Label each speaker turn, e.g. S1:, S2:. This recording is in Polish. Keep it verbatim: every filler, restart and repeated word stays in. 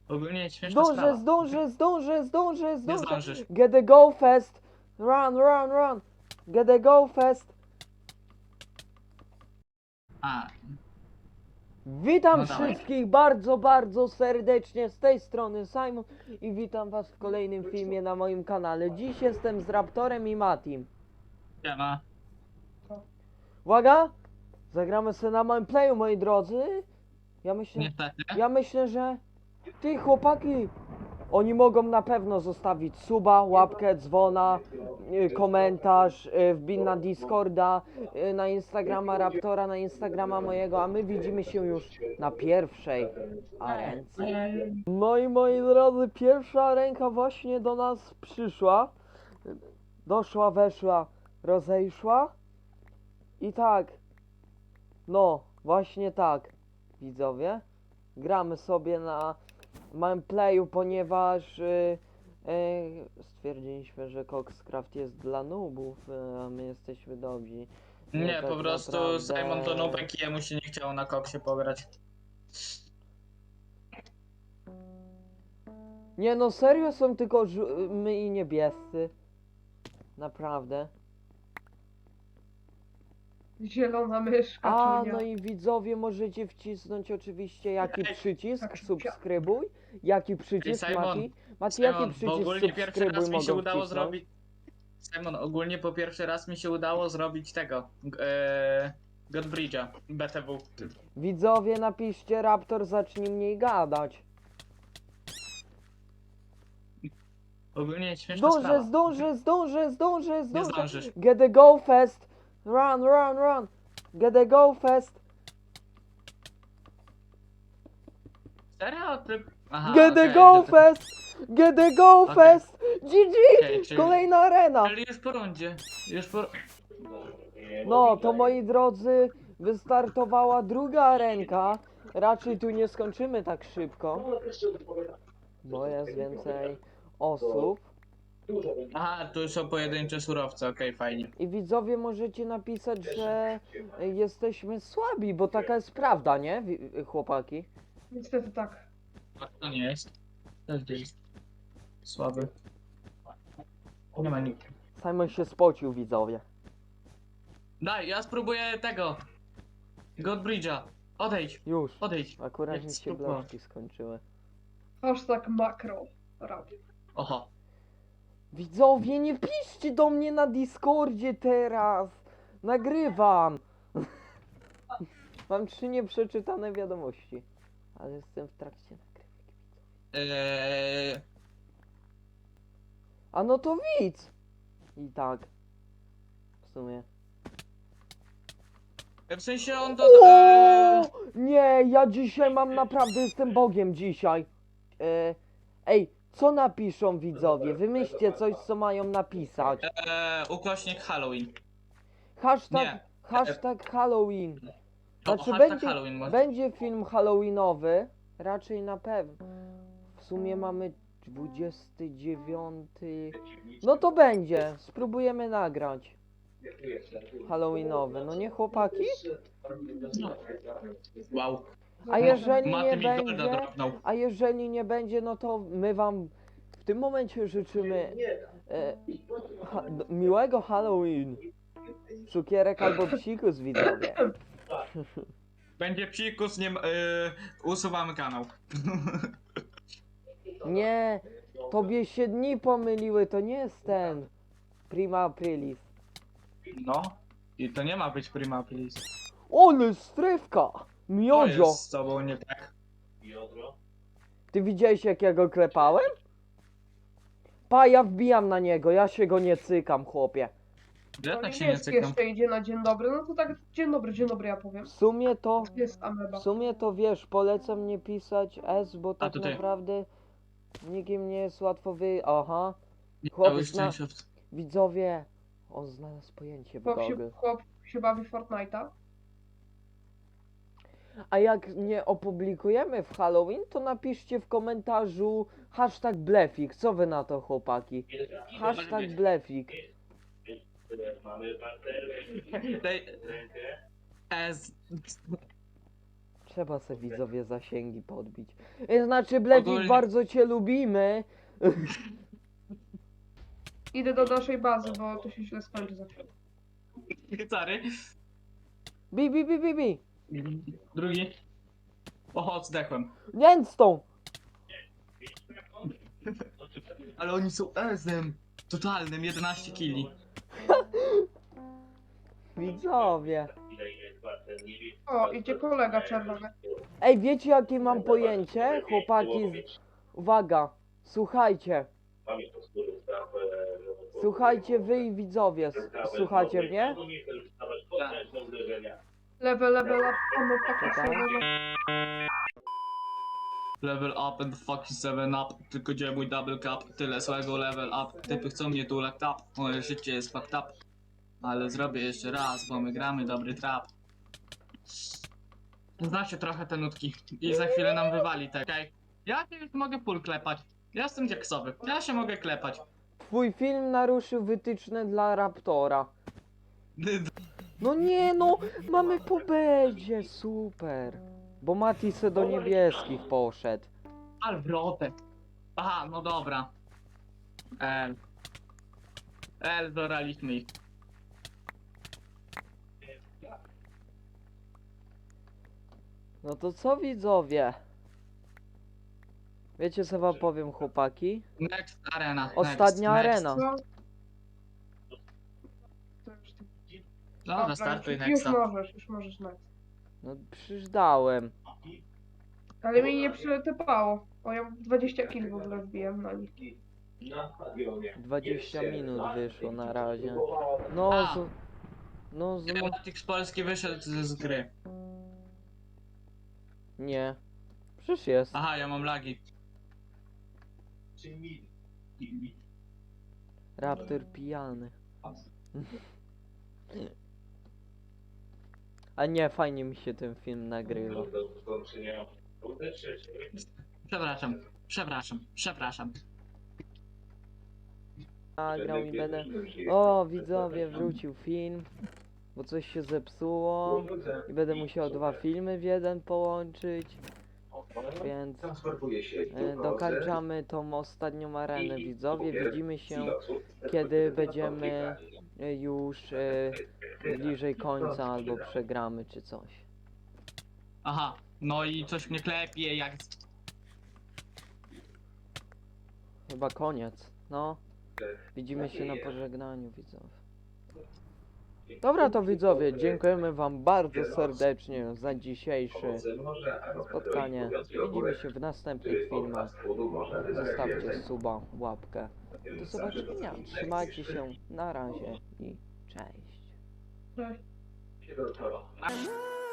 S1: Ogólnie śmieszna
S2: Zdążę,
S1: sprawa.
S2: zdążę, zdążę, zdążę,
S1: Nie
S2: zdążę.
S1: zdążysz.
S2: Get the go fast. Run, run, run. Get the go fast.
S1: A,
S2: Witam
S1: no dawaj.
S2: wszystkich bardzo, bardzo serdecznie z tej strony Simon i witam was w kolejnym filmie na moim kanale. Dziś jestem z Raptorem i Matim.
S1: Siema.
S2: Uwaga! Zagramy sobie na moim playu, moi drodzy. Ja myślę,
S1: Niestety.
S2: ja myślę, że ty chłopaki, oni mogą na pewno zostawić suba, łapkę, dzwona, y, komentarz, y, wbin na Discorda, y, na Instagrama Raptora, na Instagrama mojego, a my widzimy się już na pierwszej arence. No i moi drodzy, pierwsza ręka właśnie do nas przyszła. Doszła, weszła, rozejszła. I tak, no, właśnie tak, widzowie. Gramy sobie na małym playu, ponieważ yy, yy, stwierdziliśmy, że Coxcraft jest dla noobów, yy, a my jesteśmy dobrzy. No
S1: Nie,
S2: tak
S1: po prostu
S2: naprawdę-
S1: Simon to nubek i jemu się nie chciało na koksie pograć.
S2: Nie no, serio są tylko żu- my i niebiescy. Naprawdę.
S3: Zielona myszka,
S2: A,
S3: czunia.
S2: no i widzowie możecie wcisnąć oczywiście jaki
S1: Ej,
S2: przycisk,
S3: tak,
S2: subskrybuj, jaki przycisk,
S1: Simon,
S2: Mati? Mati, jaki
S1: Simon, bo
S2: przycisk
S1: ogólnie pierwszy
S2: subskrybuj
S1: raz mi się
S2: mogą
S1: udało
S2: wcisnąć?
S1: zrobić... Simon, ogólnie po pierwszy raz mi się udało zrobić tego. Eee, Godbridge'a, B T W.
S2: Widzowie, napiszcie Raptor, zacznij mniej gadać.
S1: Ogólnie śmieszna
S2: Zdążę,
S1: sprawa.
S2: zdążę, zdążę, zdążę,
S1: Nie
S2: zdążę.
S1: zdążysz.
S2: Get the go fast. Run, run, run. Get the go fast.
S1: Serio? Ty... Aha,
S2: Get the
S1: okej,
S2: go
S1: to- to-
S2: fast. Get the go
S1: Okej.
S2: fast. G G.
S1: okej, czyli-
S2: Kolejna arena.
S1: Czyli już po rundzie. Już po...
S2: No, to moi drodzy, wystartowała druga arenka. Raczej tu nie skończymy tak szybko, bo jest więcej osób.
S1: Aha, tu są pojedyncze surowce, okej, fajnie.
S2: I widzowie możecie napisać, że jesteśmy słabi, bo taka jest prawda, nie, wi- chłopaki?
S3: Niestety tak.
S1: A to nie jest. Też jest. Słaby. Nie ma nikt.
S2: Simon się spocił, widzowie.
S1: Daj, ja spróbuję tego. Godbridge'a. Odejdź,
S2: Już.
S1: odejdź.
S2: Akurat
S1: Jak
S2: mi się
S1: spróbował.
S2: bloczki skończyły.
S3: Hashtag makro. Rap.
S1: Oho.
S2: Widzowie, nie piszcie do mnie na Discordzie teraz. Nagrywam. Mam trzy nieprzeczytane wiadomości. Ale jestem w trakcie nagrywki.
S1: Eee,
S2: A no to widz. I tak. W sumie.
S1: w sensie on to... Eee,
S2: O! Nie, ja dzisiaj mam naprawdę, jestem Bogiem dzisiaj. E, ej, co napiszą widzowie? Wymyślcie coś, co mają napisać.
S1: eee, ukośnik Halloween.
S2: Hashtag,
S1: Nie.
S2: hashtag Halloween.
S1: No,
S2: Znaczy
S1: hashtag
S2: będzie,
S1: Halloween może.
S2: będzie film Halloweenowy, raczej na pewno. W sumie mamy dwudziesty dziewiąty. No to będzie, spróbujemy nagrać. Halloweenowy, no nie chłopaki?
S1: No. Wow.
S2: A jeżeli
S1: Maty
S2: nie
S1: mi golda
S2: będzie,
S1: dropnął.
S2: a jeżeli nie będzie, no to my wam w tym momencie życzymy e, ha, miłego Halloween. Cukierek albo psikus, widzowie.
S1: Będzie psikus, nie... Eee, usuwamy kanał.
S2: Nie, tobie się dni pomyliły, to nie jest ten Prima Aprilis.
S1: No. I to nie ma być prima please.
S2: Ole strefka!
S1: To
S2: Miodzio!
S1: jest z tobą nie tak.
S2: Ty widziałeś, jak ja go klepałem? Pa, ja wbijam na niego, ja się go nie cykam, chłopie.
S1: Ja
S3: No
S1: tak się nie
S3: niebieski
S1: cykam.
S3: jeszcze idzie na dzień dobry. No to tak dzień dobry, dzień dobry ja powiem.
S2: W sumie to,
S3: Jest ameba.
S2: w sumie to wiesz, polecam nie pisać S, bo tak
S1: tutaj.
S2: naprawdę nikim nie jest łatwo wy... Aha,
S1: Nie
S2: Chłop
S1: miałeś
S2: zna-
S1: szczęścia w-
S2: widzowie, on znalazł pojęcie w
S3: Chłop
S2: Google.
S3: się, chłop się bawi w Fortnite'a.
S2: A jak nie opublikujemy w Halloween, to napiszcie w komentarzu hashtag blefik. Co wy na to, chłopaki? Hashtag blefik.
S1: Daj... S...
S2: trzeba se widzowie zasięgi podbić. E, Znaczy, Blefik,
S1: Ogólnie-
S2: bardzo cię lubimy.
S3: Idę do naszej bazy, bo to się źle skończy za chwilę.
S1: Sorry.
S2: Bi, bi, bi, bi, bi.
S1: Drugi. Oho, zdechłem.
S2: Gęstą.
S1: Ale oni są ezem. Totalnym, jedenaście kili.
S2: Widzowie.
S3: O, idzie kolega czerwony.
S2: Ej, wiecie jakie mam pojęcie? Chłopaki, z... uwaga, słuchajcie. Słuchajcie wy i widzowie, S- słuchacie mnie?
S3: Level, level up, on fucking
S2: Czekaj.
S3: seven.
S1: Level up and fucking seven up. Tylko gdzie mój double cup? Tyle złego level up. Typy chcą mnie tu like tap. Moje życie jest fucked up. Ale zrobię jeszcze raz, bo my gramy dobry trap. Znacie trochę te nutki. I za chwilę nam wywali te. Okej. Ja się już mogę full klepać. Ja jestem dzieksowy. Ja się mogę klepać.
S2: Twój film naruszył wytyczne dla Raptora. No nie no, mamy po bedzie, super. Bo Mati se do niebieskich poszedł.
S1: Alwrotek. Aha, no dobra. El. El, zoraliśmy ich.
S2: No to co widzowie? Wiecie co wam powiem chłopaki?
S1: Next arena.
S2: Ostatnia
S1: next,
S2: arena.
S3: No. To już ty-
S1: Next. Dobra, startuj
S3: już, już
S1: nexta.
S3: możesz, już możesz next.
S2: No przecież dałem.
S3: Ale mi nie przyletypało. O, ja dwadzieścia kil w ogóle wbiłem na nich.
S2: dwadzieścia minut wyszło na razie. No
S1: A.
S2: z... No z... No...
S1: Kinematix Polski wyszedł z, z gry.
S2: Nie. Przecież jest.
S1: Aha, ja mam lagi.
S2: Raptor pijany. A nie, fajnie mi się ten film nagrywa.
S1: Przepraszam, przepraszam, przepraszam.
S2: Nagrał i będę... O, widzowie, wrócił film. Bo coś się zepsuło. I będę musiał dwa filmy w jeden połączyć. Więc e, dokończamy tą ostatnią arenę, widzowie. Widzimy się, kiedy będziemy e, już e, bliżej końca albo przegramy czy coś.
S1: Aha, no i coś mnie klepie jak...
S2: Chyba koniec, no. Widzimy się na pożegnaniu, widzowie. Dobra to widzowie, dziękujemy wam bardzo serdecznie za dzisiejsze spotkanie. Widzimy się w następnych filmach. Zostawcie suba, łapkę. Do zobaczenia. Trzymajcie się. Na razie i cześć.
S3: Cześć.
S1: A-